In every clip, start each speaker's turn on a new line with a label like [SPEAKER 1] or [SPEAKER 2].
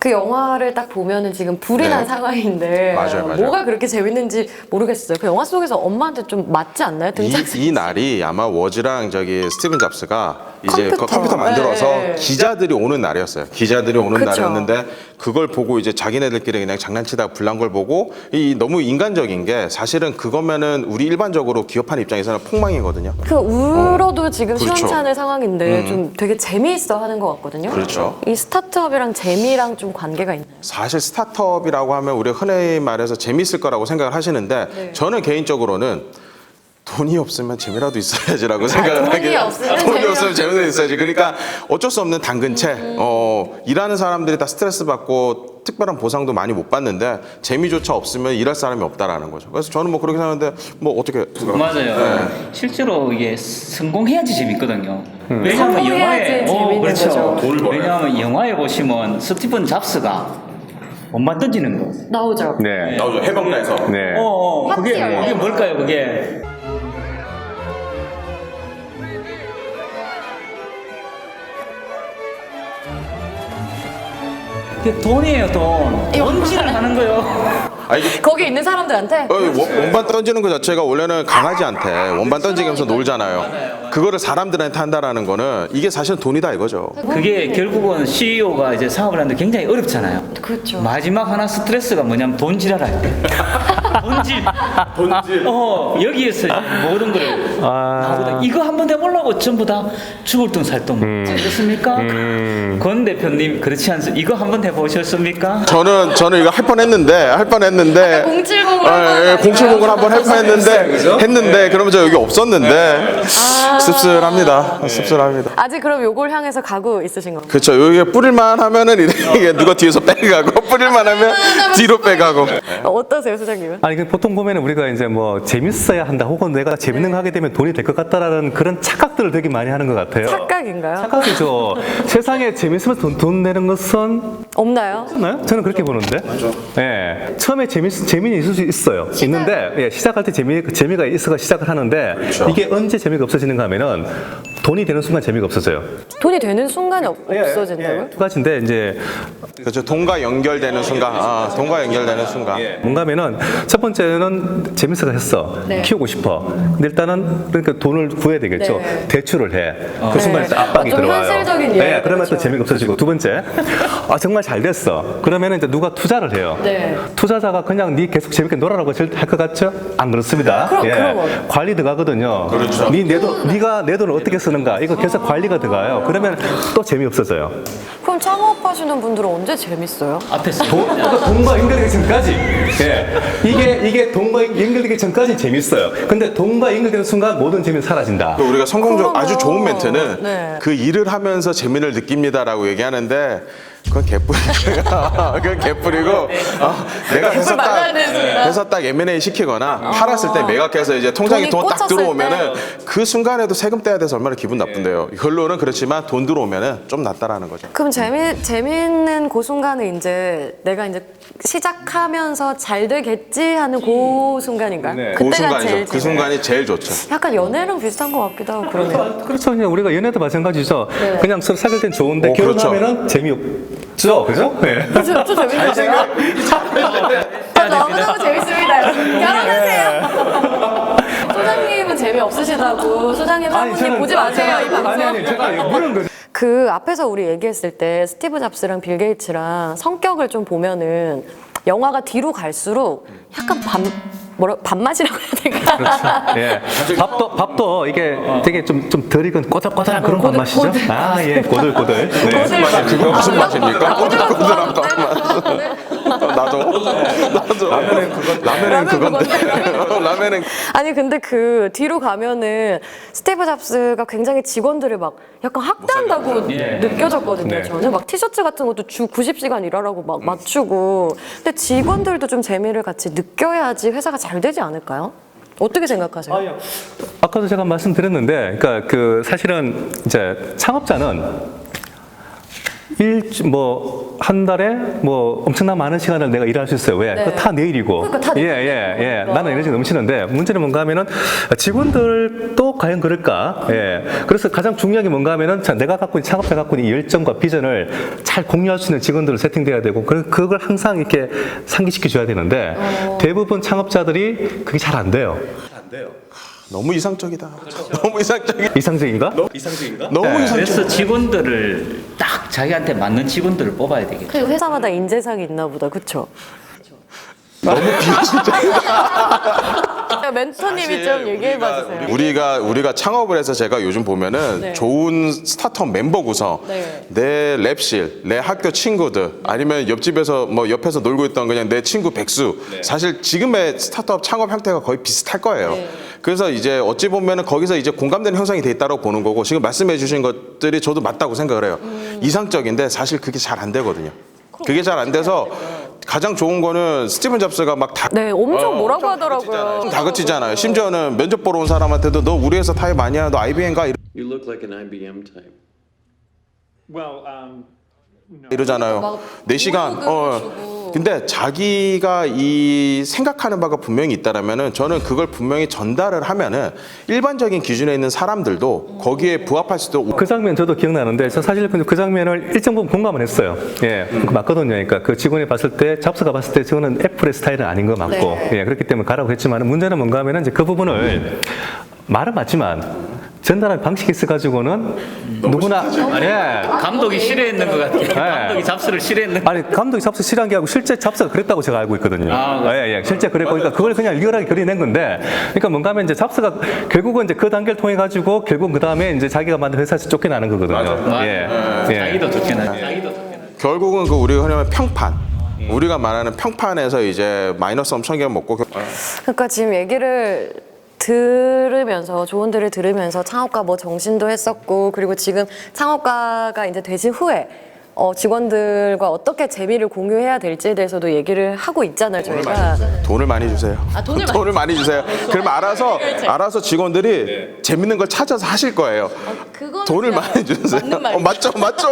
[SPEAKER 1] 그 영화를 딱 보면은 지금 불이 난 상황인데
[SPEAKER 2] 맞아요.
[SPEAKER 1] 뭐가 그렇게 재밌는지 모르겠어요. 그 영화 속에서 엄마한테 좀 맞지 않나요?
[SPEAKER 2] 이 날이 아마 워즈랑 저기 스티븐 잡스가 이제 컴퓨터 만들어서
[SPEAKER 1] 네.
[SPEAKER 2] 기자들이 오는 날이었어요. 기자들이 오는
[SPEAKER 1] 그쵸.
[SPEAKER 2] 날이었는데 그걸 보고 이제 자기네들끼리 그냥 장난치다가 불난 걸 보고 이 너무 인간적인 게 사실은 그거면은 우리 일반적으로 기업하는 입장에서는 폭망이거든요.
[SPEAKER 1] 그 울어도 지금
[SPEAKER 2] 그렇죠.
[SPEAKER 1] 시원찮을 상황인데 좀 되게 재미있어 하는 것 같거든요.
[SPEAKER 2] 그렇죠.
[SPEAKER 1] 이 스타트업이랑 재미랑 좀 관계가 있나요?
[SPEAKER 2] 사실 스타트업이라고 하면 우리가 흔히 말해서 재밌을 거라고 생각을 하시는데
[SPEAKER 1] 네.
[SPEAKER 2] 저는 개인적으로는 돈이 없으면 재미라도 있어야지라고 생각을
[SPEAKER 1] 돈이
[SPEAKER 2] 하게
[SPEAKER 1] 없으면
[SPEAKER 2] 돈이
[SPEAKER 1] 재미없-
[SPEAKER 2] 없으면 재미도 있어야지. 그러니까 어쩔 수 없는 당근채. 일하는 사람들이 다 스트레스 받고 특별한 보상도 많이 못 받는데 재미조차 없으면 일할 사람이 없다라는 거죠. 그래서 저는 뭐 그렇게 생각하는데 뭐 어떻게
[SPEAKER 3] 맞아요.
[SPEAKER 2] 네.
[SPEAKER 3] 실제로 이게 성공해야지 재밌거든요. 왜냐하면
[SPEAKER 1] 성공해야지
[SPEAKER 3] 영화에
[SPEAKER 1] 재밌는
[SPEAKER 3] 그렇죠.
[SPEAKER 1] 거죠.
[SPEAKER 2] 돈을 벌어요.
[SPEAKER 3] 왜냐하면 영화에 보시면 스티븐 잡스가 원반 던지는 거.
[SPEAKER 1] 나오죠.
[SPEAKER 4] 네.
[SPEAKER 2] 나오죠. 해방나에서.
[SPEAKER 4] 네.
[SPEAKER 3] 그게
[SPEAKER 1] 파티요.
[SPEAKER 3] 그게 뭘까요? 그게 그게 돈이에요, 돈. 던지를 하는 거요.
[SPEAKER 1] 거기 있는 사람들한테
[SPEAKER 2] 원반 던지는 것 자체가 원래는 강아지한테 원반 던지면서 놀잖아요. 그거를 사람들한테 한다라는 거는 이게 사실 돈이다 이거죠.
[SPEAKER 3] 그게 결국은 CEO가 이제 사업을 하는데 굉장히 어렵잖아요.
[SPEAKER 1] 그렇죠.
[SPEAKER 3] 마지막 하나 스트레스가 뭐냐면 돈질하라. 돈질. 여기에서 모든 거를 나보다 이거 한번 해보려고 전부 다 죽을 돈 살 돈 그렇습니까? 권 대표님 그렇지 않습니까? 이거 한번 해보셨습니까?
[SPEAKER 2] 저는 이거 할 뻔했는데
[SPEAKER 1] 070으로 할
[SPEAKER 2] 070을 한번 할 뻔했는데 그러면서 여기 없었는데 씁쓸합니다.
[SPEAKER 1] 아직 그럼 요걸 향해서 가고 있으신 건가요?
[SPEAKER 2] 그렇죠. 여기 뿌릴만 하면은 이게 누가 뒤에서 빼가고 뿌릴만 하면 뒤로 빼가고.
[SPEAKER 1] 어떠세요, 소장님은?
[SPEAKER 4] 아니 그 보통 보면은 우리가 이제 뭐 재밌어야 한다 혹은 내가 재밌는 거 하게 되면 돈이 될 것 같다라는 그런 착각들을 되게 많이 하는 것 같아요.
[SPEAKER 1] 착각인가요?
[SPEAKER 4] 착각이죠. 세상에 재밌으면 돈 내는 것은
[SPEAKER 1] 없나요?
[SPEAKER 4] 없나요? 저는 그렇게 보는데. 맞아. 예. 처음에 재미는 있을 수 있어요. 있는데 예, 시작할 때 재미가 있어서 시작을 하는데 이게 언제 재미가 없어지는가 하면은 돈이 되는 순간 재미가 없어져요.
[SPEAKER 1] 돈이 되는 순간이 없어진다고요?
[SPEAKER 4] 두 가지인데 이제
[SPEAKER 2] 그렇죠. 돈과 연결되는 순간. 돈과 연결되는 순간.
[SPEAKER 4] 뭔가 하면은 첫 번째는 재밌어서 했어.
[SPEAKER 1] 네.
[SPEAKER 4] 키우고 싶어. 근데 일단은 그러니까 돈을 구해야 되겠죠.
[SPEAKER 1] 네.
[SPEAKER 4] 대출을 해. 그 순간에 또 압박이
[SPEAKER 1] 좀
[SPEAKER 4] 들어와요.
[SPEAKER 1] 현실적인
[SPEAKER 4] 네,
[SPEAKER 1] 이야기죠.
[SPEAKER 4] 그러면 또 재미가 없어지고 두 번째, 정말 잘 됐어. 그러면은 이제 누가 투자를 해요.
[SPEAKER 1] 네.
[SPEAKER 4] 투자자가 그냥 네 계속 재밌게 놀아라고 할 것 같죠? 안 그렇습니다.
[SPEAKER 1] 그럼.
[SPEAKER 4] 관리 들어가거든요.
[SPEAKER 2] 그렇죠.
[SPEAKER 4] 네가 내 돈을 어떻게 쓰는가 이거 계속 관리가 들어가요. 그러면 또 재미 없어져요.
[SPEAKER 1] 그럼 창업하시는 분들은 언제 재밌어요?
[SPEAKER 3] 앞에서
[SPEAKER 4] 돈과 연결되기 전까지. 예. 이게 돈과 연결되기 전까지 재밌어요. 근데 돈과 연결되는 순간 모든 재미는 사라진다.
[SPEAKER 2] 또 우리가 성공적 아주 좋은
[SPEAKER 1] 그러면,
[SPEAKER 2] 멘트는
[SPEAKER 1] 네.
[SPEAKER 2] 그 일을 하면서 재미를 느낍니다라고 얘기하는데 그건 개뿔이야. 그건 개뿔이고 내가
[SPEAKER 1] 맞아야 되는구나.
[SPEAKER 2] 회사 딱 M&A 시키거나 팔았을 때 매각해서 이제 통장에
[SPEAKER 1] 돈이
[SPEAKER 2] 돈 딱
[SPEAKER 1] 꽂혔을
[SPEAKER 2] 들어오면은 그 순간에도 세금 떼야 돼서 얼마나 기분 나쁜데요. 결론은 그렇지만 돈 들어오면은 좀 낫다라는 거죠.
[SPEAKER 1] 그럼 재밌는 그 순간은 이제 내가 이제 시작하면서 잘 되겠지 하는 그 순간인가요?
[SPEAKER 4] 네.
[SPEAKER 2] 그
[SPEAKER 1] 그때가
[SPEAKER 2] 순간이죠.
[SPEAKER 1] 제일
[SPEAKER 2] 그 순간이 제일 좋죠.
[SPEAKER 1] 약간 연애랑 비슷한 것 같기도 하고 그러네요.
[SPEAKER 4] 그렇죠. 그냥 우리가 연애도 마찬가지죠.
[SPEAKER 1] 네.
[SPEAKER 4] 그냥 서로 사귈 땐 좋은데
[SPEAKER 2] 그렇죠.
[SPEAKER 4] 결혼하면은 재미없죠. 그죠? 네.
[SPEAKER 1] 저 재밌어요. 너무너무 재밌습니다. 결혼하세요. 소장님은 재미없으시다고. 소장님 사모님 보지 마세요, 이 방송.
[SPEAKER 4] 아니, 제가 물은 거죠.
[SPEAKER 1] 그 앞에서 우리 얘기했을 때 스티브 잡스랑 빌 게이츠랑 성격을 좀 보면은 영화가 뒤로 갈수록 약간 밥맛이라고 해야 될까?
[SPEAKER 4] 그렇죠. 예. 밥도 이게 되게 좀 덜 익은 꼬들꼬들한 그런 밥맛이죠. 꼬들꼬들. 네.
[SPEAKER 2] 그거 무슨 맛입니까? 꼬들꼬들한 맛. 나도. 라면은 그건데. 라면은
[SPEAKER 1] 아니 근데 그 뒤로 가면은 스티브 잡스가 굉장히 직원들을 막 약간 학대한다고 느껴졌거든요.
[SPEAKER 4] 네.
[SPEAKER 1] 저는 막 티셔츠 같은 것도 주 90시간 일하라고 막 맞추고. 근데 직원들도 좀 재미를 같이 느껴야지 회사가 잘 되지 않을까요? 어떻게 생각하세요?
[SPEAKER 4] 아까도 제가 말씀드렸는데, 그러니까 그 사실은 이제 창업자는 한 달에 뭐 엄청난 많은 시간을 내가 일할 수 있어요. 왜?
[SPEAKER 1] 네.
[SPEAKER 4] 그거 다 내 일이고.
[SPEAKER 1] 그러니까 다 내
[SPEAKER 4] 예. 나는 에너지 넘치는데 문제는 뭔가 하면은 직원들도 과연 그럴까? 예. 그래서 가장 중요한 게 뭔가 하면은 자, 내가 갖고 있는 창업자 갖고 있는 이 열정과 비전을 잘 공유할 수 있는 직원들을 세팅돼야 되고 그걸 항상 이렇게 상기시켜 줘야 되는데 대부분 창업자들이 그게 잘 안 돼요.
[SPEAKER 2] 너무 이상적이다. 너무 이상적이.
[SPEAKER 4] 이상적인가?
[SPEAKER 2] 너무
[SPEAKER 4] 네.
[SPEAKER 2] 이상적.
[SPEAKER 3] 그래서 직원들을 딱 자기한테 맞는 직원들을 뽑아야 되겠죠.
[SPEAKER 1] 그리고 회사마다 인재상이 있나 보다. 그쵸?
[SPEAKER 2] 너무 비현실적이다.
[SPEAKER 1] 멘토님이 좀 얘기해봐 주세요.
[SPEAKER 2] 우리가 창업을 해서 제가 요즘 보면은
[SPEAKER 1] 네.
[SPEAKER 2] 좋은 스타트업 멤버 구성,
[SPEAKER 1] 네.
[SPEAKER 2] 내 랩실, 내 학교 친구들, 아니면 옆집에서 뭐 옆에서 놀고 있던 그냥 내 친구 백수. 사실 지금의 스타트업 창업 형태가 거의 비슷할 거예요.
[SPEAKER 1] 네.
[SPEAKER 2] 그래서 이제 어찌 보면은 거기서 이제 공감되는 형성이 돼 있다고 보는 거고 지금 말씀해주신 것들이 저도 맞다고 생각을 해요. 이상적인데 사실 그게 잘 안 되거든요. 그게 잘 안 돼서 가장 좋은 거는 스티븐 잡스가 막 다
[SPEAKER 1] 네, 엄청 뭐라고 하더라고요.
[SPEAKER 2] 다그치잖아요. 심지어는 면접 보러 온 사람한테도 너 우리 회사 타입 아니야? 너 IBM 가?
[SPEAKER 5] You look like an IBM type.
[SPEAKER 2] 이러잖아요.
[SPEAKER 1] 막
[SPEAKER 2] 4시간.
[SPEAKER 1] 보호급을 주고.
[SPEAKER 2] 근데 자기가 이 생각하는 바가 분명히 있다라면은 저는 그걸 분명히 전달을 하면은 일반적인 기준에 있는 사람들도 거기에 부합할 수도 있고.
[SPEAKER 4] 그 장면 저도 기억나는데 저 사실 그 장면을 일정 부분 공감을 했어요. 예, 그 맞거든요. 그러니까 그 직원이 봤을 때 잡스가 봤을 때 저거는 애플의 스타일은 아닌 거 맞고
[SPEAKER 1] 네.
[SPEAKER 4] 예, 그렇기 때문에 가라고 했지만 문제는 뭔가 하면은 이제 그 부분을 말은 맞지만 전달할 방식이 있어가지고는 누구나 예.
[SPEAKER 3] 감독이 싫어했는 것 같아요. 감독이 잡스를 싫어했는.
[SPEAKER 4] 아니 감독이 잡스 싫어한 게 아니고 실제 잡스가 그랬다고 제가 알고 있거든요. 예, 실제 그랬고 그러니까 그걸 그냥 리얼하게 그려낸 건데 그러니까 뭔가 하면 이제 잡스가 결국은 이제 그 단계를 통해 가지고 결국 그 다음에 이제 자기가 만든 회사에서 쫓겨나는 거거든요. 예.
[SPEAKER 3] 자기도 쫓겨나죠. 자기도 쫓겨나죠.
[SPEAKER 2] 결국은 그 우리가 흔히 하면 평판. 우리가 말하는 평판에서 이제 마이너스 엄청 먹고
[SPEAKER 1] 그러니까 지금 얘기를 들으면서 조언들을 들으면서 창업가 뭐 정신도 했었고 그리고 지금 창업가가 이제 되신 후에 직원들과 어떻게 재미를 공유해야 될지에 대해서도 얘기를 하고 있잖아요 저희가.
[SPEAKER 2] 돈을 많이 주세요. 돈을 많이 주세요. 그러면 알아서 직원들이 재밌는 걸 찾아서 하실 거예요. 돈을 많이 주세요. 맞죠.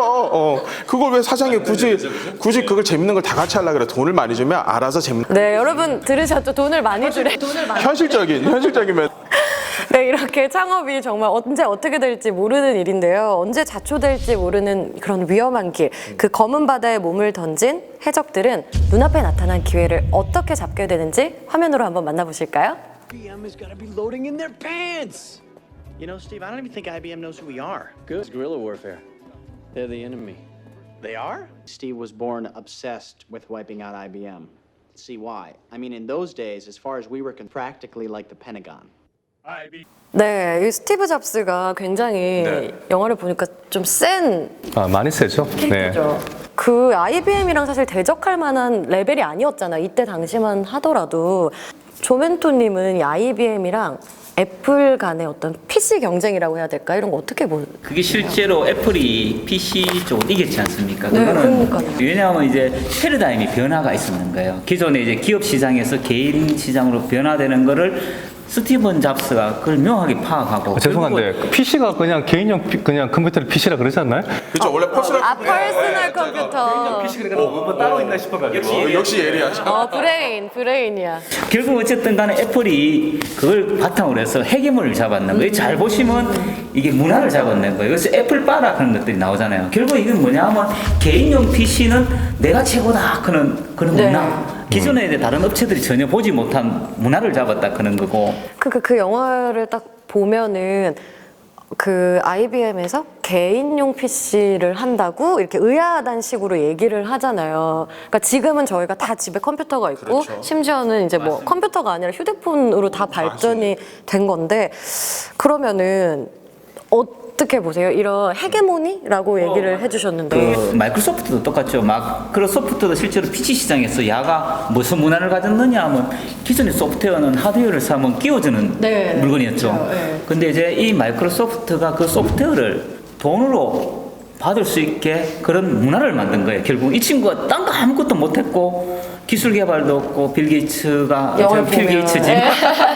[SPEAKER 2] 그걸 왜 사장이 굳이 그걸 재밌는 걸 다 같이 하려 그래? 돈을 많이 주면 알아서 재밌는.
[SPEAKER 1] 네 여러분 들으셨죠? 돈을 많이 주래.
[SPEAKER 2] 현실적인 면.
[SPEAKER 1] 네, 이렇게 창업이 정말 언제 어떻게 될지 모르는 일인데요. 언제 자초될지 모르는 그런 위험한 길, 그 검은 바다에 몸을 던진 해적들은 눈앞에 나타난 기회를 어떻게 잡게 되는지 화면으로 한번 만나보실까요?
[SPEAKER 6] IBM has got to be loading in their pants. You know, Steve, I don't even think IBM knows who we are.
[SPEAKER 5] Good. It's guerrilla warfare. They're the enemy.
[SPEAKER 6] They are?
[SPEAKER 7] Steve was born obsessed with wiping out IBM. See why? I mean, in those days, as far as we were practically like the Pentagon.
[SPEAKER 1] 네, 이 스티브 잡스가 굉장히 영화를 보니까 좀 센
[SPEAKER 4] 많이 세죠. 네.
[SPEAKER 1] 그 IBM이랑 사실 대적할 만한 레벨이 아니었잖아요. 이때 당시만 하더라도. 조멘토님은 이 IBM이랑 애플 간의 어떤 PC 경쟁이라고 해야 될까? 이런 거 어떻게 보세요?
[SPEAKER 3] 그게 실제로 애플이 PC 쪽을 이겼지 않습니까?
[SPEAKER 1] 네,
[SPEAKER 3] 그거는
[SPEAKER 1] 그러니까요.
[SPEAKER 3] 왜냐하면 이제 패러다임이 변화가 있었는 거예요. 기존에 이제 기업 시장에서 개인 시장으로 변화되는 거를 스티븐 잡스가 그걸 명확히 파악하고.
[SPEAKER 4] 죄송한데 PC가 그냥 개인용 그냥 컴퓨터를 PC라 그러지 않나요?
[SPEAKER 2] 그렇죠. 원래 퍼스널
[SPEAKER 1] 퍼스널 컴퓨터.
[SPEAKER 4] 뭐 따로 있나 싶어가지고.
[SPEAKER 2] 역시 예리하죠.
[SPEAKER 1] 브레인이야.
[SPEAKER 3] 결국 어쨌든 간에 애플이 그걸 바탕으로 해서 헤게모니를 잡았는 거예요. 잘 보시면 이게 문화를 잡았는 거예요. 그래서 애플 바라 그런 것들이 나오잖아요. 결국 이건 뭐냐 하면 개인용 PC는 내가 최고다 그런
[SPEAKER 1] 네.
[SPEAKER 3] 문화. 기존에 이제 다른 업체들이 전혀 보지 못한 문화를 잡았다 그런 거고.
[SPEAKER 1] 그 영화를 딱 보면은 그 IBM에서 개인용 PC를 한다고 이렇게 의아하다는 식으로 얘기를 하잖아요. 그러니까 지금은 저희가 다 집에 컴퓨터가 있고 심지어는 이제 뭐 컴퓨터가 아니라 휴대폰으로 다 발전이 된 건데 그러면은 어떻게 보세요? 이런 헤게모니라고 얘기를 해주셨는데
[SPEAKER 3] 그 마이크로소프트도 똑같죠. 마이크로소프트도 실제로 PC 시장에서 야가 무슨 문화를 가졌느냐 하면 기존의 소프트웨어는 하드웨어를 사면 끼워주는
[SPEAKER 1] 네,
[SPEAKER 3] 물건이었죠.
[SPEAKER 1] 그렇죠. 네.
[SPEAKER 3] 근데 이제 이 마이크로소프트가 그 소프트웨어를 돈으로 받을 수 있게 그런 문화를 만든 거예요. 결국 이 친구가 딴 거 아무것도 못했고 기술 개발도 없고 빌 게이츠가
[SPEAKER 1] 영화를
[SPEAKER 3] 빌
[SPEAKER 1] 보면.
[SPEAKER 3] 게이츠지.
[SPEAKER 1] 네.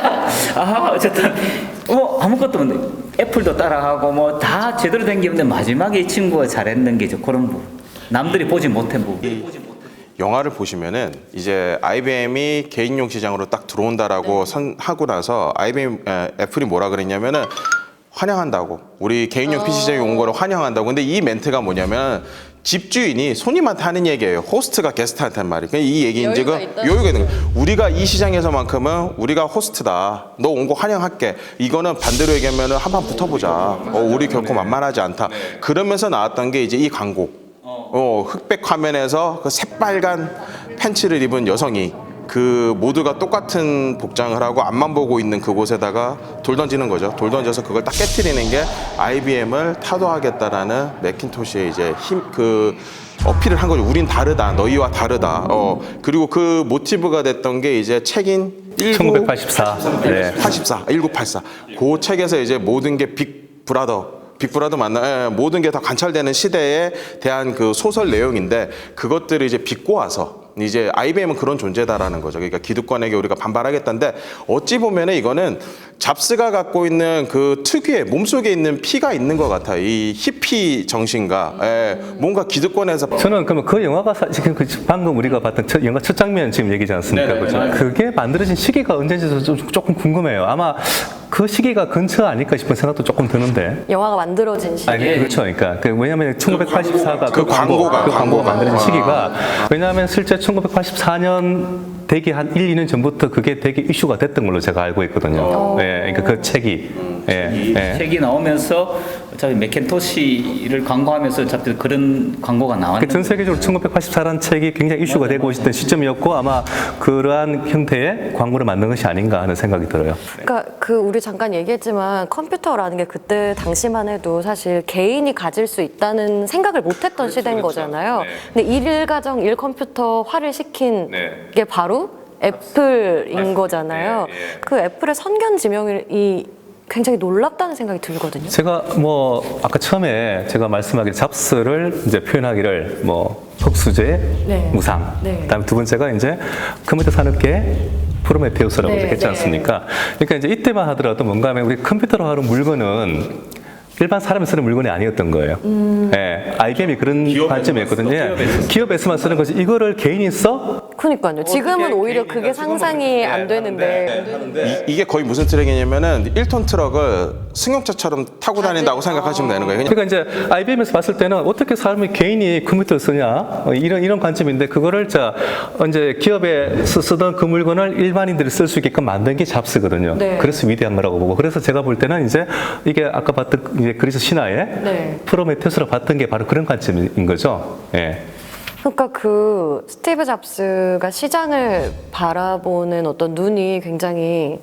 [SPEAKER 3] 어쨌든 아무것도 없는데 애플도 따라하고 뭐 다 제대로 된 게 없는데 마지막에 이 친구가 잘했는 게 이제 그런 부분. 남들이 보지 못한 부분.
[SPEAKER 2] 영화를 보시면은 이제 IBM이 개인용 시장으로 딱 들어온다라고 하고 나서 애플이 뭐라 그랬냐면은 환영한다고. 우리 개인용 PC 시장에 온 거를 환영한다고. 근데 이 멘트가 뭐냐면 집주인이 손님한테 하는 얘기예요. 호스트가 게스트한테 한 말이. 그러니까 이 얘기인 지금 여유가 있는 거예요. 우리가 이 시장에서만큼은 우리가 호스트다. 너 온 거 환영할게. 이거는 반대로 얘기하면은 한판 붙어보자. 우리 결코 만만하지 않다. 그러면서 나왔던 게 이제 이 광고. 흑백 화면에서 그 새빨간 팬츠를 입은 여성이 그 모두가 똑같은 복장을 하고 앞만 보고 있는 그곳에다가 돌 던지는 거죠. 돌 던져서 그걸 딱 깨트리는 게 IBM을 타도하겠다라는 맥킨토시의 이제 어필을 한 거죠. 우린 다르다. 너희와 다르다. 그리고 그 모티브가 됐던 게 이제 책인
[SPEAKER 4] 1984. 네.
[SPEAKER 2] 1984. 그 책에서 이제 모든 게 빅브라더 맞나? 모든 게 다 관찰되는 시대에 대한 그 소설 내용인데 그것들을 이제 비꼬아서 이제 IBM은 그런 존재다라는 거죠. 그러니까 기득권에게 우리가 반발하겠다는데 어찌 보면은 이거는 잡스가 갖고 있는 그 특유의 몸속에 있는 피가 있는 것 같아요. 이 히피 정신과 뭔가 기득권에서
[SPEAKER 4] 저는 그러면 그 영화가 지금 방금 우리가 봤던 영화 첫 장면 지금 얘기지 않습니까?
[SPEAKER 3] 네네,
[SPEAKER 4] 그죠?
[SPEAKER 3] 맞아요.
[SPEAKER 4] 그게 만들어진 시기가 언제인지 조금 궁금해요. 아마 그 시기가 근처 아닐까 싶은 생각도 조금 드는데.
[SPEAKER 1] 영화가 만들어진 시기.
[SPEAKER 4] 아니, 그렇죠. 그러니까 왜냐하면 1984가
[SPEAKER 2] 그 광고가
[SPEAKER 4] 만들어진 시기가 왜냐하면 실제 1984년 되게 한 1, 2년 전부터 그게 되게 이슈가 됐던 걸로 제가 알고 있거든요. 예, 그러니까 그 책이.
[SPEAKER 3] 책이 나오면서 어차피 맥킨토시를 광고하면서 어차피 그런 광고가
[SPEAKER 4] 전
[SPEAKER 3] 나왔는데
[SPEAKER 4] 세계적으로 1984라는 책이 굉장히 이슈가 되고 있었던 시점이었고 아마 그러한 형태의 광고를 만든 것이 아닌가 하는 생각이 들어요.
[SPEAKER 1] 그러니까 우리 잠깐 얘기했지만 컴퓨터라는 게 그때 당시만 해도 사실 개인이 가질 수 있다는 생각을 못했던 시대인 거잖아요. 근데 일가정 일컴퓨터화를 시킨 게 바로 애플인 거잖아요. 그 애플의 선견지명이 굉장히 놀랍다는 생각이 들거든요.
[SPEAKER 4] 제가 아까 처음에 제가 말씀하길 잡스를 이제 표현하기를 흑수제,
[SPEAKER 1] 네.
[SPEAKER 4] 무상.
[SPEAKER 1] 네.
[SPEAKER 4] 그다음에 두 번째가 이제 컴퓨터 산업계 프로메테우스라고
[SPEAKER 1] 네,
[SPEAKER 4] 했지 않습니까? 그러니까 이제 이때만 하더라도 뭔가 하면 우리 컴퓨터로 하는 물건은 일반 사람이 쓰는 물건이 아니었던 거예요. 예, IBM이 그런 관점이었거든요. 기업에서만 쓰는 거지. 이거를 개인이 써?
[SPEAKER 1] 그러니까요. 지금은 오히려 그게 상상이 안 되는데.
[SPEAKER 2] 이게 거의 무슨 트랙이냐면은 1톤 트럭을 승용차처럼 타고 다닌다고 생각하시면 되는 거예요.
[SPEAKER 4] 그러니까 이제 IBM에서 봤을 때는 어떻게 사람이 개인이 컴퓨터를 쓰냐 이런 관점인데 그거를 이제 기업에서 쓰던 그 물건을 일반인들이 쓸 수 있게끔 만든 게 잡스거든요.
[SPEAKER 1] 네.
[SPEAKER 4] 그래서 위대한 거라고 보고 그래서 제가 볼 때는 이제 이게 아까 봤던 이제 그리스 신화의
[SPEAKER 1] 네.
[SPEAKER 4] 프로메테우스로 봤던 게 바로 그런 관점인 거죠. 예.
[SPEAKER 1] 그러니까 그 스티브 잡스가 시장을 바라보는 어떤 눈이 굉장히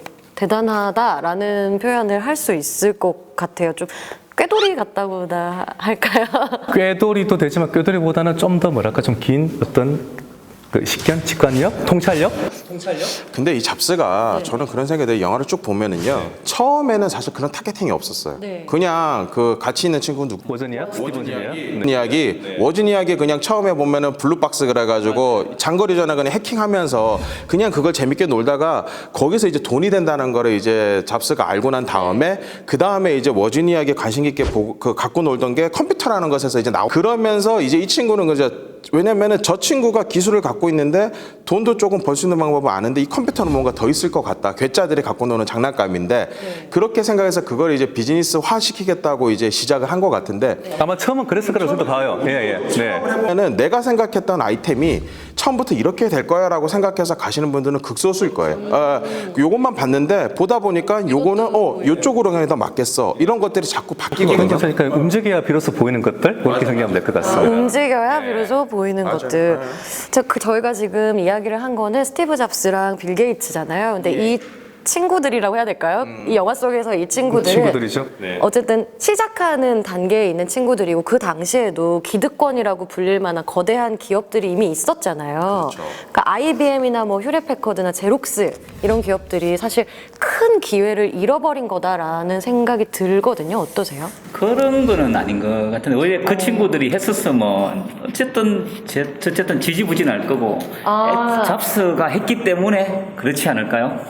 [SPEAKER 1] 대단하다라는 표현을 할 수 있을 것 같아요. 좀 꾀돌이 같다고나 할까요?
[SPEAKER 4] 꾀돌이도 되지만 꾀돌이보다는 좀 더 뭐랄까 좀 긴 어떤 그 식견, 직관력, 통찰력?
[SPEAKER 2] 근데 이 잡스가 저는 그런 생각이 들어요. 영화를 쭉 보면은요. 처음에는 사실 그런 타겟팅이 없었어요.
[SPEAKER 1] 네.
[SPEAKER 2] 그냥 그 같이 있는 친구 누구
[SPEAKER 4] 워즈니아? 스티브 워즈니아?
[SPEAKER 2] 이야기 워진 이야기 그냥 처음에 보면은 블루박스 그래가지고 장거리 전화 그냥 해킹하면서 그냥 그걸 재밌게 놀다가 거기서 이제 돈이 된다는 거를 이제 잡스가 알고 난 다음에 그 다음에 이제 워진 이야기 관심 있게 보고 갖고 놀던 게 컴퓨터라는 것에서 이제 그러면서 이제 이 친구는 왜냐면은 저 친구가 기술을 갖고 있는데 돈도 조금 벌 수 있는 방법을 아는데 이 컴퓨터는 뭔가 더 있을 것 같다. 괴짜들이 갖고 노는 장난감인데 그렇게 생각해서 그걸 이제 비즈니스화 시키겠다고 이제 시작을 한 것 같은데
[SPEAKER 4] 아마 처음은 그랬을 거라고 저도 봐요. 예. 네.
[SPEAKER 2] 그러면은 내가 생각했던 아이템이 처음부터 이렇게 될 거야라고 생각해서 가시는 분들은 극소수일 거예요. 요것만 봤는데 보다 보니까 요거는 요쪽으로 그냥 더 맞겠어. 이런 것들이 자꾸 바뀌거든요.
[SPEAKER 4] 그러니까 움직여야 비로소 보이는 것들 그렇게 생각하면 될 것 같습니다.
[SPEAKER 1] 움직여야 비로소 보이는 것들. 저희가 지금 이야기를 한 거는 스티브 잡스랑 빌 게이츠잖아요. 근데 이 친구들이라고 해야 될까요? 이 영화 속에서 이
[SPEAKER 4] 친구들이죠. 네.
[SPEAKER 1] 어쨌든 시작하는 단계에 있는 친구들이고 그 당시에도 기득권이라고 불릴 만한 거대한 기업들이 이미 있었잖아요. 그러니까 IBM이나 뭐 휴레패커드나 제록스 이런 기업들이 사실 큰 기회를 잃어버린 거다라는 생각이 들거든요. 어떠세요?
[SPEAKER 3] 그런 거는 아닌 것 같은데 원래 그 친구들이 했었으면 어쨌든 지지부진할 거고 잡스가 했기 때문에 그렇지 않을까요?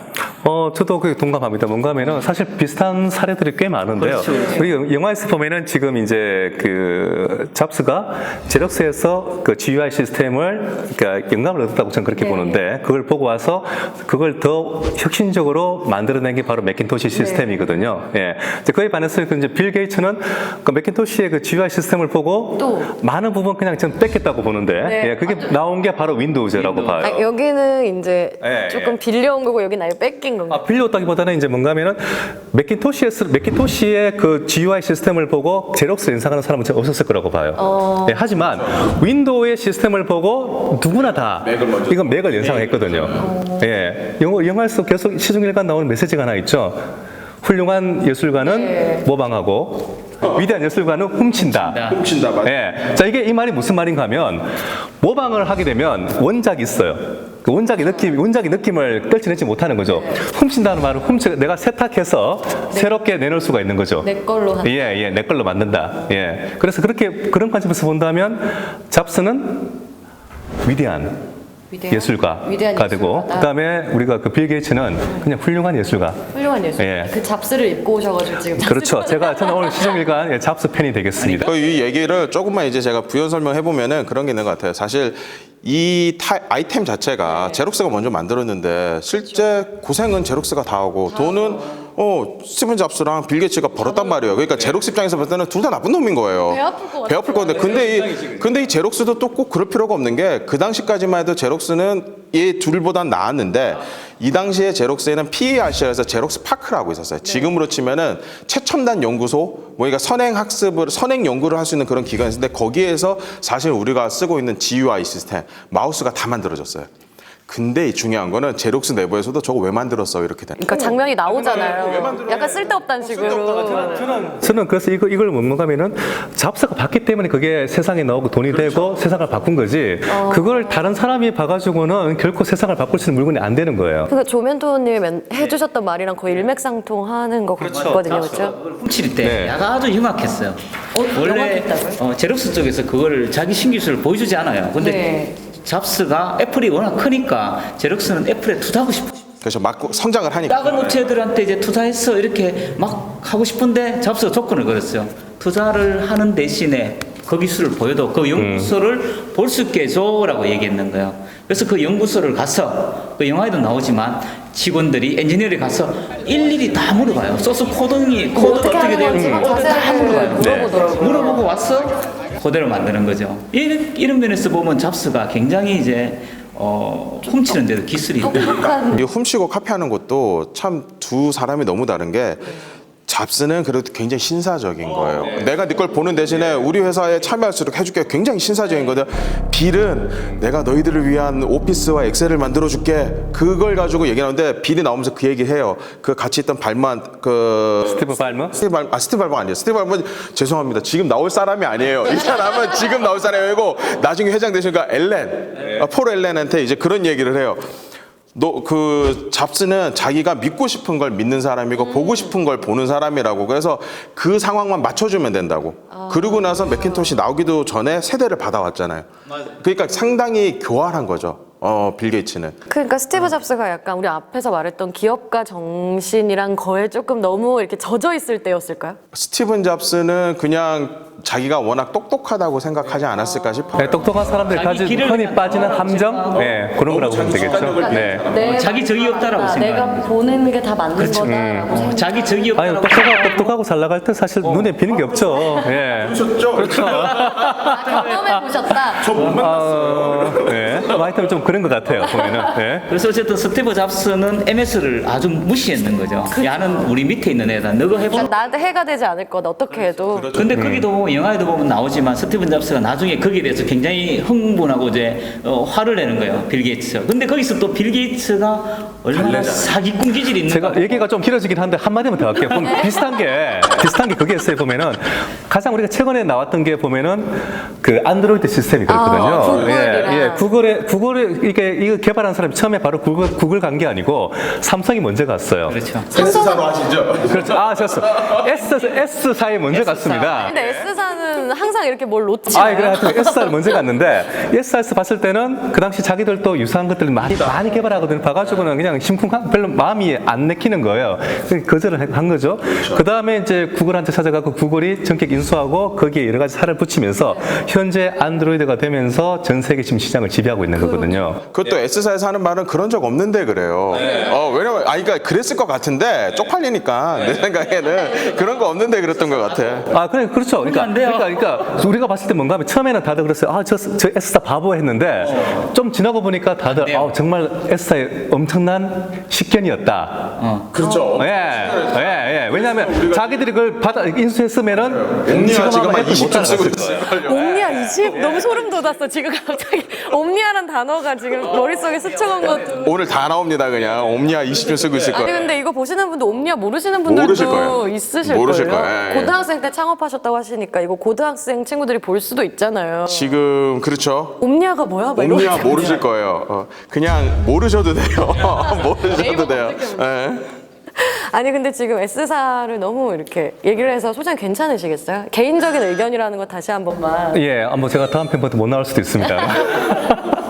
[SPEAKER 4] 저도 그게 동감합니다. 뭔가 하면은 사실 비슷한 사례들이 꽤 많은데요.
[SPEAKER 3] 그렇죠, 그렇죠.
[SPEAKER 4] 우리 영화에서 보면은 지금 이제 그 잡스가 제럭스에서 그 GUI 시스템을 그러니까 영감을 얻었다고 저는 그렇게 보는데 그걸 보고 와서 그걸 더 혁신적으로 만들어낸 게 바로 맥킨토시 시스템이거든요. 예. 이제 그에 반해서 이제 빌 게이츠는 그 맥킨토시의 그 GUI 시스템을 보고
[SPEAKER 1] 또.
[SPEAKER 4] 많은 부분 그냥 좀 뺐겠다고 보는데
[SPEAKER 1] 네.
[SPEAKER 4] 예, 그게 나온 게 바로 윈도우즈라고 봐요.
[SPEAKER 1] 아, 여기는 이제
[SPEAKER 4] 예,
[SPEAKER 1] 조금 빌려온 거고 여기는 아예 뺏긴 건가요?
[SPEAKER 4] 빌려왔다기보다는 이제 뭔가 하면은 맥킨토시의 그 GUI 시스템을 보고 제럭스를 인상하는 사람은 전 없었을 거라고 봐요. 예, 하지만 윈도우의 시스템을 보고 누구나 다 이건 맥을 연상했거든요. 예, 영화에서 계속 시중일관 나오는 메시지가 하나 있죠. 훌륭한 예술가는 모방하고 위대한 예술가는 훔친다.
[SPEAKER 2] 훔친다, 맞아.
[SPEAKER 4] 예. 자, 이 말이 무슨 말인가 하면 모방을 하게 되면 원작이 있어요. 그 원작의 느낌을 떨쳐내지 못하는 거죠. 훔친다는 말은 내가 세탁해서 새롭게 내놓을 수가 있는 거죠.
[SPEAKER 1] 내 걸로 한.
[SPEAKER 4] 예, 내 걸로 만든다. 예. 그래서 그런 관점에서 본다면 잡스는 위대한 예술가가
[SPEAKER 1] 위대한
[SPEAKER 4] 되고
[SPEAKER 1] 예술가다.
[SPEAKER 4] 그다음에 우리가 그 빌 게이츠는 그냥 훌륭한 예술가.
[SPEAKER 1] 훌륭한 예술.
[SPEAKER 4] 예.
[SPEAKER 1] 그 잡스를 입고 오셔가지고 지금.
[SPEAKER 4] 그렇죠. 저는 오늘 시종일관 잡스 팬이 되겠습니다.
[SPEAKER 2] 이 얘기를 조금만 이제 제가 부연 설명해 보면은 그런 게 있는 것 같아요. 사실 이 아이템 자체가 제록스가 먼저 만들었는데 실제 고생은 제록스가 다 하고 돈은 스티븐 잡스랑 빌 게이츠가 벌었단 말이에요. 그러니까 제록스 입장에서 봤을 때는 둘 다 나쁜 놈인 거예요.
[SPEAKER 1] 배 아플 것
[SPEAKER 2] 배 아플 건데 근데 이 제록스도 또 꼭 그럴 필요가 없는 게 그 당시까지만 해도 제록스는 이 둘보단 나았는데 이 당시에 제록스에는 PARC에서 제록스 파크라고 있었어요. 지금으로 치면은 최첨단 연구소, 그러니까 선행 연구를 할 수 있는 그런 기관인데 거기에서 사실 우리가 쓰고 있는 GUI 시스템, 마우스가 다 만들어졌어요. 근데 이 중요한 거는 제록스 내부에서도 저거 왜 만들었어 이렇게 되는.
[SPEAKER 1] 그러니까 장면이 나오잖아요. 약간 쓸데없다는 식으로.
[SPEAKER 4] 저는 그래서 이걸 뭔가 하면은 잡스가 봤기 때문에 그게 세상에 나오고 돈이 되고 세상을 바꾼 거지. 그걸 다른 사람이 봐가지고는 결코 세상을 바꿀 수 있는 물건이 안 되는 거예요.
[SPEAKER 1] 그러니까 조멘토님이 해주셨던 말이랑 거의 일맥상통하는 것 같거든요, 그렇죠?
[SPEAKER 3] 그걸 훔칠 때
[SPEAKER 4] 네.
[SPEAKER 3] 아주 흉악했어요. 원래
[SPEAKER 1] 흉악했다고요?
[SPEAKER 3] 제록스 쪽에서 그걸 자기 신기술을 보여주지 않아요. 근데
[SPEAKER 1] 네.
[SPEAKER 3] 잡스가 애플이 워낙 크니까 제록스는 애플에 투자하고 싶어.
[SPEAKER 2] 그래서 막 성장을 하니까.
[SPEAKER 3] 작은 업체들한테 이제 투자해서 이렇게 막 하고 싶은데 잡스가 조건을 걸었어요. 투자를 하는 대신에 그 기술을 보여도 그 연구소를 볼 수 있게 해줘라고 얘기했는 거예요. 그래서 그 연구소를 가서 그 영화에도 나오지만 직원들이 엔지니어리 가서 일일이 다 물어봐요. 소스 코딩이 코드가 어떻게 되어 있는지 다 물어봐요.
[SPEAKER 1] 물어보더라고요.
[SPEAKER 3] 물어보고 와서 그대로 만드는 거죠. 이런 면에서 보면 잡스가 굉장히 이제 훔치는 데도 기술이 있다.
[SPEAKER 2] 이 훔치고 카피하는 것도 참 두 사람이 너무 다른 게 잡스는 그래도 굉장히 신사적인 거예요. 내가 네 걸 보는 대신에 우리 회사에 참여할 수 있도록 해줄게. 굉장히 신사적인 거든. 빌은 내가 너희들을 위한 오피스와 엑셀을 만들어줄게. 그걸 가지고 얘기하는데 빌이 나오면서 그 얘기를 해요. 그 같이 있던 발만
[SPEAKER 4] 스티브 발머?
[SPEAKER 2] 스티브 발머 아니에요. 스티브 발머 죄송합니다. 지금 나올 사람이 아니에요. 이 사람은 지금 나올 사람이 아니고 나중에 회장 되시니까 폴 엘렌한테 이제 그런 얘기를 해요. 그 잡스는 자기가 믿고 싶은 걸 믿는 사람이고 보고 싶은 걸 보는 사람이라고. 그래서 그 상황만 맞춰주면 된다고. 그러고 나서 맥킨토시 나오기도 전에 세대를 받아왔잖아요. 그러니까 상당히 교활한 거죠. 빌 게이츠는.
[SPEAKER 1] 그러니까 스티브 잡스가 약간 우리 앞에서 말했던 기업가 정신이랑 거에 조금 너무 이렇게 젖어 있을 때였을까요?
[SPEAKER 2] 스티븐 잡스는 그냥 자기가 워낙 똑똑하다고 생각하지 않았을까 싶어요.
[SPEAKER 4] 네, 똑똑한 사람들이
[SPEAKER 3] 자기
[SPEAKER 4] 가진
[SPEAKER 3] 길을
[SPEAKER 4] 흔히 빠지는 함정, 네, 그런 거라고 보면 되겠죠. 네.
[SPEAKER 3] 자기 적이 없다라고
[SPEAKER 1] 내가
[SPEAKER 3] 생각합니다.
[SPEAKER 1] 보는 게 다 맞는 거다라고 생각.
[SPEAKER 3] 자기 적이
[SPEAKER 4] 아니
[SPEAKER 3] 없다라고
[SPEAKER 4] 똑똑하고 잘 나갈 때 사실 눈에 비는 게 없죠. 예. 그렇죠.
[SPEAKER 1] 경험해 보셨다.
[SPEAKER 4] 네. 하여튼 좀 그런 것 같아요. 보면은. 네.
[SPEAKER 3] 그래서 어쨌든 스티브 잡스는 MS를 아주 무시했는 거죠. 야는 우리 밑에 있는 애다. 너가 해봐.
[SPEAKER 1] 나한테 해가 되지 않을 거다. 어떻게 해도.
[SPEAKER 3] 근데 거기도 영화에도 보면 나오지만 스티븐 잡스가 나중에 거기에 대해서 굉장히 흥분하고 이제 화를 내는 거예요. 빌 게이츠. 근데 거기서 또 빌 게이츠가 얼마나 사기꾼 기질이 있는가.
[SPEAKER 4] 제가 얘기가 좀 길어지긴 한데 한마디만 더 할게요. 그럼 비슷한 게 그게 있어요. 보면은 가장 우리가 최근에 나왔던 게 보면은 그 안드로이드 시스템이 그렇거든요.
[SPEAKER 1] 구글이랑.
[SPEAKER 4] 구글에 이거 개발한 사람이 처음에 바로 구글 간 게 아니고 삼성이 먼저 갔어요.
[SPEAKER 3] 그렇죠.
[SPEAKER 2] S사로 하시죠?
[SPEAKER 4] 그렇죠. S사에 먼저 갔습니다.
[SPEAKER 1] 근데 S사는 저는 항상 이렇게 뭘 놓치나요?
[SPEAKER 4] 아, 그래 하여튼 S사를 먼저 갔는데 S사에서 봤을 때는 그 당시 자기들도 유사한 것들을 많이 개발하거든요. 봐가지고는 그냥 심쿵한 별로 마음이 안 내키는 거예요. 그래서 거절을 한 거죠. 그 다음에 이제 구글한테 찾아가고 구글이 전격 인수하고 거기에 여러 가지 살을 붙이면서 현재 안드로이드가 되면서 전 세계 지금 시장을 지배하고 있는 거거든요.
[SPEAKER 2] 그것도 S사에서 하는 말은 그런 적 없는데 그래요. 왜냐면 그러니까 그랬을 것 같은데 쪽팔리니까 내 생각에는 그런 거 없는데 그랬던 것 같아.
[SPEAKER 4] 아, 그래, 그렇죠. 그러니까 우리가 봤을 때 뭔가 하면 처음에는 다들 그랬어요. 아, 저 S사 바보 했는데 좀 지나고 보니까 다들 정말 S사의 엄청난 식견이었다.
[SPEAKER 2] 그렇죠.
[SPEAKER 4] 예. 왜냐하면 자기들이 그걸 인수했으면은
[SPEAKER 2] 옴니아 지금 한
[SPEAKER 4] 애플 못
[SPEAKER 2] 20점 쓰고
[SPEAKER 4] 따라갔을 거예요.
[SPEAKER 2] 있어요.
[SPEAKER 1] 옴니아 20? 너무 소름 돋았어. 지금 갑자기 옴니아란 단어가 지금 머릿속에 스쳐간 것도.
[SPEAKER 2] 오늘 다 나옵니다 그냥. 옴니아 20점 쓰고 있을
[SPEAKER 1] 아니
[SPEAKER 2] 거예요.
[SPEAKER 1] 근데 이거 보시는 분도 옴니아 모르시는 분들도
[SPEAKER 2] 모르실 거예요.
[SPEAKER 1] 있으실
[SPEAKER 2] 모르실
[SPEAKER 1] 거예요.
[SPEAKER 2] 거예요. 예.
[SPEAKER 1] 고등학생 때 창업하셨다고 하시니까 이거 고등학생 친구들이 볼 수도 있잖아요.
[SPEAKER 2] 지금 그렇죠.
[SPEAKER 1] 옴니아가 뭐야? 막 이러고
[SPEAKER 2] 옴니아
[SPEAKER 1] 있잖아요.
[SPEAKER 2] 모르실 거예요. 그냥 모르셔도 돼요. 모르셔도 돼요. 예.
[SPEAKER 1] 아니 근데 지금 S사를 너무 이렇게 얘기를 해서 소장 괜찮으시겠어요? 개인적인 의견이라는 거 다시 한 번만.
[SPEAKER 4] 예, 뭐 제가 다음 편부터 못 나올 수도 있습니다.